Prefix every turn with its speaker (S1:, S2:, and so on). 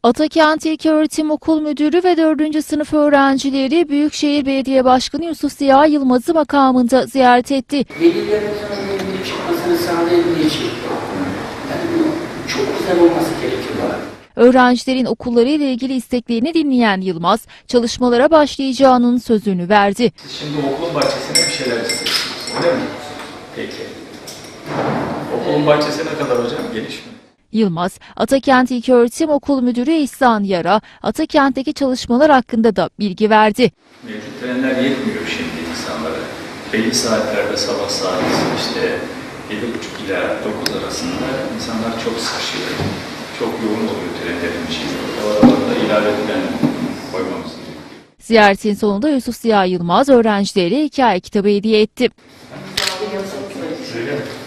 S1: Atakent İlköğretim Okul Müdürü ve 4. sınıf öğrencileri Büyükşehir Belediye Başkanı Yusuf Ziya Yılmaz'ı makamında ziyaret etti.
S2: Velilerin önüne çıkmasını sağlayabileceği, yani bu çok güzel olması gerekiyor.
S1: Öğrencilerin okulları ile ilgili isteklerini dinleyen Yılmaz, çalışmalara başlayacağının sözünü verdi.
S3: Siz şimdi okulun bahçesine bir şeyler istiyorsunuz, öyle mi? Peki. Okulun bahçesi ne kadar hocam? Geniş mi?
S1: Yılmaz, Atakent İlköğretim Okul Müdürü İhsan Yar'a Atakent'teki çalışmalar hakkında da bilgi verdi.
S3: Mevcut trenler yetmiyor şimdi insanlara. Belli saatlerde sabah saat işte 7.30 ila 9 arasında insanlar çok sıkışıyor. Çok yoğun oluyor trenlerin içi. O aralarda ilave tren koymamız gerekiyor.
S1: Ziyaretin sonunda Yusuf Ziya Yılmaz öğrencilere hikaye kitabı hediye etti.
S3: Öyle mi?